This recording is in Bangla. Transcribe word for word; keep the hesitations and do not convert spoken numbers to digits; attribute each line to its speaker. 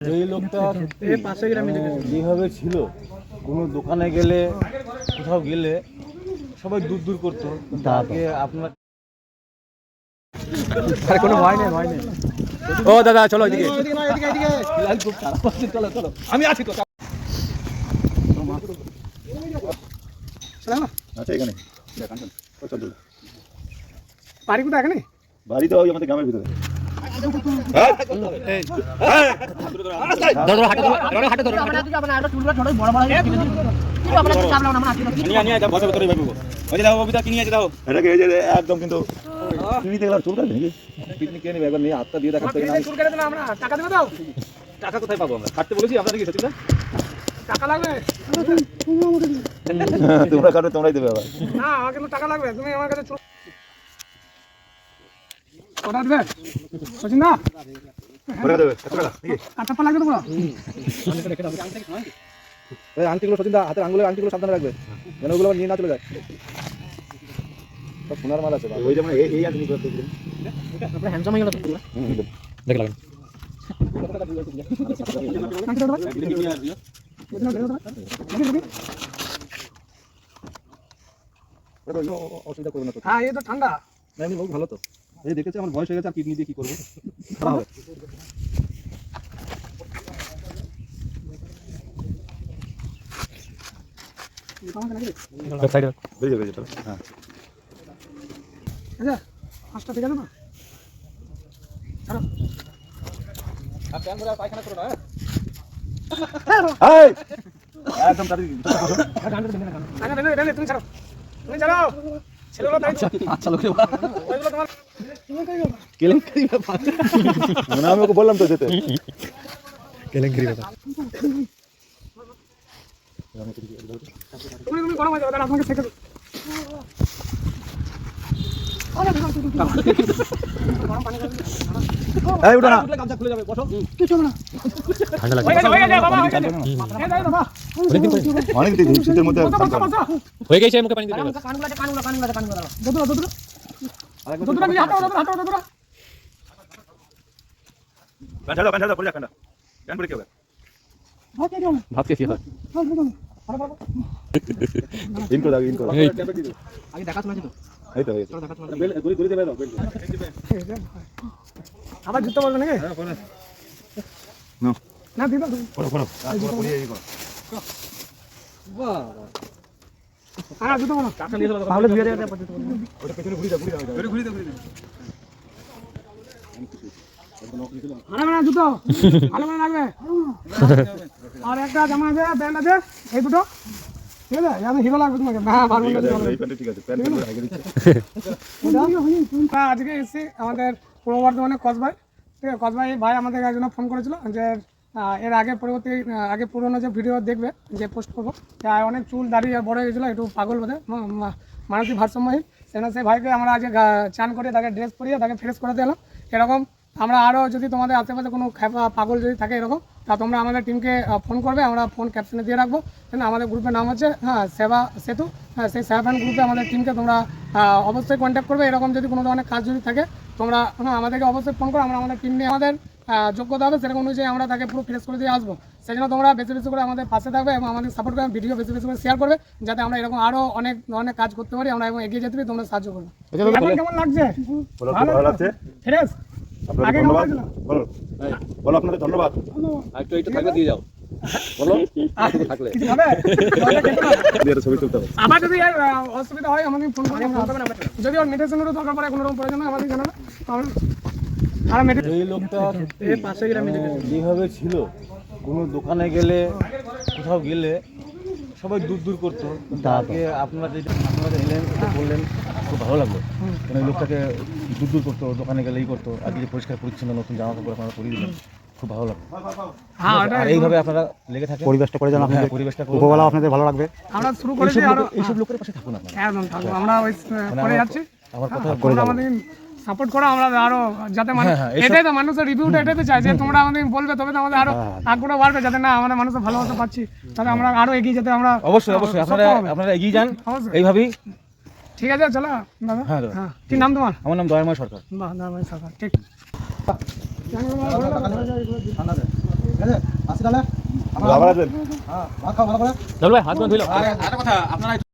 Speaker 1: এই লোকটা যেভাবে ছিল, কোনো দোকানে গেলে কোথাও গেলে সবাই দূর দূর করতো, তাকে আপনার কোনো ভয় নেই ভয় নেই। ও দাদা চলো এদিকে, খুব খারাপ আছে, চলো চলো আমি আছি তো।
Speaker 2: আচ্ছা এখানে
Speaker 3: বাড়ি কোথায়? এখানে
Speaker 2: বাড়ি তো ওই আমাদের গ্রামের ভিতরে। একদম কিন্তু
Speaker 1: টাকা কোথায় পাবো আমরা? কাটতে বলেছি আপনাদের কি সত্যি না?
Speaker 3: টাকা লাগবে?
Speaker 2: তোমরা কাটবে তোমরাই দেবে আবার।
Speaker 3: না আমার কিন্তু টাকা লাগবে, তুমি আমার কাছে কটা দেবে সচিন না? কাটা লাগবে তোমার
Speaker 1: আংটিগুলো সচিন দা, হাতের আঙ্গুলের আংটিগুলো সাবধানে রাখবে যেন ওগুলো নিয়ে না চলে যায়। সব সোনার মাল আছে
Speaker 2: ওই যেমন এই আছে
Speaker 3: আপনার হ্যান্ডসাম হয়ে গেল
Speaker 1: দেখে লাগেন। অসুবিধা করবে না তো?
Speaker 3: হ্যাঁ এই তো ঠান্ডা।
Speaker 1: না এমনি ভালো তো, এই দেখেছি আমার বয়স হয়ে গেছে, আর কিডনি দিয়ে কি করবো? হবে
Speaker 2: হ্যাঁ
Speaker 3: আচ্ছা পাঁচটা ঠিক আছে না?
Speaker 1: পায়খানা করো না।
Speaker 2: একদম
Speaker 3: তুমি ছাড়ো, তুমি ছাড়ো ছেলেগুলো দাঁড়িয়ে
Speaker 1: আচ্ছা লোক
Speaker 3: ওইগুলো তোমার
Speaker 1: কেলেঙ্কারি ব্যাপার।
Speaker 2: মানে আমি ওকে বললাম তো যেতে।
Speaker 1: কেলেঙ্কারি ব্যাপার।
Speaker 3: তুমি তুমি গরম হয়ে যাবে, তাহলে আপনাকে শেখে দেবো।
Speaker 2: এই উঠো না,
Speaker 1: গামছা খুলে যাবে, বসো।
Speaker 3: ঠান্ডা লাগছে, হয়ে গেছে হয়ে গেছে বাবা, হয়ে গেছে এই দাঁড়িয়ে বাবা
Speaker 2: অনেক দিন শীতের মধ্যে
Speaker 1: হয়ে গেছে, মুখে পানি দিতে হবে।
Speaker 3: কানগুলো আছে কানগুলো কানগুলো আছে কানগুলো দাও দুদুরা দুদুরা দুদুরা নিয়ে হাঁটো দুদুরা হাঁটো দুদুরা
Speaker 2: প্যান্ট ছাড়ো প্যান্ট ছাড়ো পড়ে যা ঠান্ডা প্যান্ট পরে কি হবে?
Speaker 1: ভাত কে কি হয়?
Speaker 2: ইন করে দাও ইন করে
Speaker 3: আগে দেখা শোনা ছিল
Speaker 2: এই তো হয়েছে বেল গুলি গুলি দেবে দাও বেল
Speaker 3: আবার জুতো বলবে নাকি?
Speaker 2: হ্যাঁ কোন
Speaker 3: না না দিবা
Speaker 2: পড়ো পড়ো পড়িয়ে এই করো
Speaker 1: বাহ
Speaker 3: হ্যাঁ জুতো বলো
Speaker 1: টাকা নিয়ে চলো,
Speaker 3: তাহলে ধুয়ে দেবে জুতো
Speaker 2: ওটা পেছনে ঘুরি দাও ঘুরি দাও ঘুরি ঘুরি দাও ঘুরি দাও
Speaker 3: আরে না জুতো ভালো করে লাগবে। আর একটা জামা আছে প্যান্ট আছে এই দুটো ঠিক আছে, আমি হিরো লাগবে তোমাকে। হ্যাঁ পারবো না
Speaker 2: এই প্যান্ট ঠিক আছে প্যান্ট পরে আগে দিচ্ছে।
Speaker 3: আজকে এসেছি আমাদের পূর্ব বর্ধমানে কসবাই, ঠিক আছে কসবাই ভাই আমাদের একজন ফোন করেছিল যে এর আগে পরবর্তী আগে পুরোনো যে ভিডিও দেখবে যে পোস্ট করবো, অনেক চুল দাঁড়িয়ে বড় হয়ে গেছিলো, একটু পাগল বোধে মানসিক ভারসাম্যহীন, সেখানে সেই ভাইকে আমরা আজকে চান করে তাকে ড্রেস পরিয়ে তাকে ফ্রেশ করে দিলাম। এরকম আমরা আরও যদি তোমাদের আশেপাশে কোনো খ্যাপা পাগল যদি থাকে এরকম, তা তোমরা আমাদের টিমকে ফোন করবে, আমরা ফোন ক্যাপশনে দিয়ে রাখবো। আমাদের গ্রুপের নাম হচ্ছে হ্যাঁ সেবা সেতু, হ্যাঁ সেই সেবা ফ্যান গ্রুপে আমাদের টিমকে তোমরা অবশ্যই কন্ট্যাক্ট করবে। এরকম যদি কোনো ধরনের কাজ যদি থাকে তোমরা হ্যাঁ আমাদেরকে অবশ্যই ফোন করো, আমরা আমাদের টিম নিয়ে আমাদের যোগ্যতা হবে সেরকম অনুযায়ী আমরা তাকে পুরো ফ্রেশ করে দিয়ে আসবো। সেই জন্য তোমরা বেশি বেশি করে আমাদের পাশে থাকবে এবং আমাদের সাপোর্ট করবে, ভিডিও বেশি বেশি করে শেয়ার করবে, যাতে আমরা এরকম আরও অনেক ধরনের কাজ করতে পারি, আমরা এবং এগিয়ে যেতে পারি, তোমরা সাহায্য করবে। কেমন লাগছে?
Speaker 2: ভালো লাগছে
Speaker 3: ফ্রেশ
Speaker 2: আপনাদের ধন্যবাদ। বলো বলো আপনাদের ধন্যবাদ।
Speaker 1: একটু একটু থাকলে দিয়ে যাও, বলো একটু থাকলে
Speaker 3: কিছু হবে
Speaker 2: দিয়ে ছবি তুলতে হবে।
Speaker 3: আবার যদি অসুবিধা হয় আমাদের ফোন করবে, যদি ওর মেডিসিনেরও দরকার পড়ে কোনো রকম প্রয়োজন হয় আমাদের জানাবে।
Speaker 1: এই লোকটা যেভাবে ছিল, কোনো দোকানে গেলে কোথাও গেলে সবাই দূর দূর করতো, তাকে আপনারা যেটা আপনারা এলেন এটা বললেন খুব ভালো লাগলো। কারণ এই লোকটাকে দূর দূর করতো, দোকানে গেলেই করতো, আজকে যে পরিষ্কার পরিচ্ছন্ন নতুন জামা কাপড় আপনারা পরিয়ে দিলেন, খুব ভালো লাগলো। আর এইভাবে আপনারা লেগে থাকেন,
Speaker 4: পরিবেশটা করে যান, আপনাদের
Speaker 1: পরিবেশটা
Speaker 4: উপরওয়ালা আপনাদের ভালো লাগবে।
Speaker 3: আমরা শুরু করেছি আরো
Speaker 1: এইসব লোকের পাশে থাকুন আপনারা,
Speaker 3: একদম থাকবো, আমরা ওই করে যাচ্ছি।
Speaker 1: আমার কথা
Speaker 3: করে আমাদের সাপোর্ট করো, আমরা আরো যাতে মানুষ এটাই তো মানুষের রিভিউটা এটাই তো চাই যে তোমরা আমাদের বলবে, তবে তো আমাদের আরো আগ্রহ বাড়বে, যাতে না আমাদের মানুষের ভালোবাসা পাচ্ছি, তাহলে আমরা আরো এগিয়ে যেতে আমরা
Speaker 1: অবশ্যই অবশ্যই আপনারা আপনারা এগিয়ে যান এইভাবেই।
Speaker 3: ঠিক আছে চলো দাদা।
Speaker 1: হ্যাঁ
Speaker 3: হ্যাঁ কি নাম তোমার?
Speaker 1: আমার নাম দয়াময় সরকার।
Speaker 3: বাহ দয়াময় সরকার, ঠিক।
Speaker 4: আছে আসি তাহলে
Speaker 2: আবার আসবেন
Speaker 4: হ্যাঁ ভাত খাও ভালো করে
Speaker 5: চল ভাই হাত ধুইলো
Speaker 6: আর একটা কথা আপনারা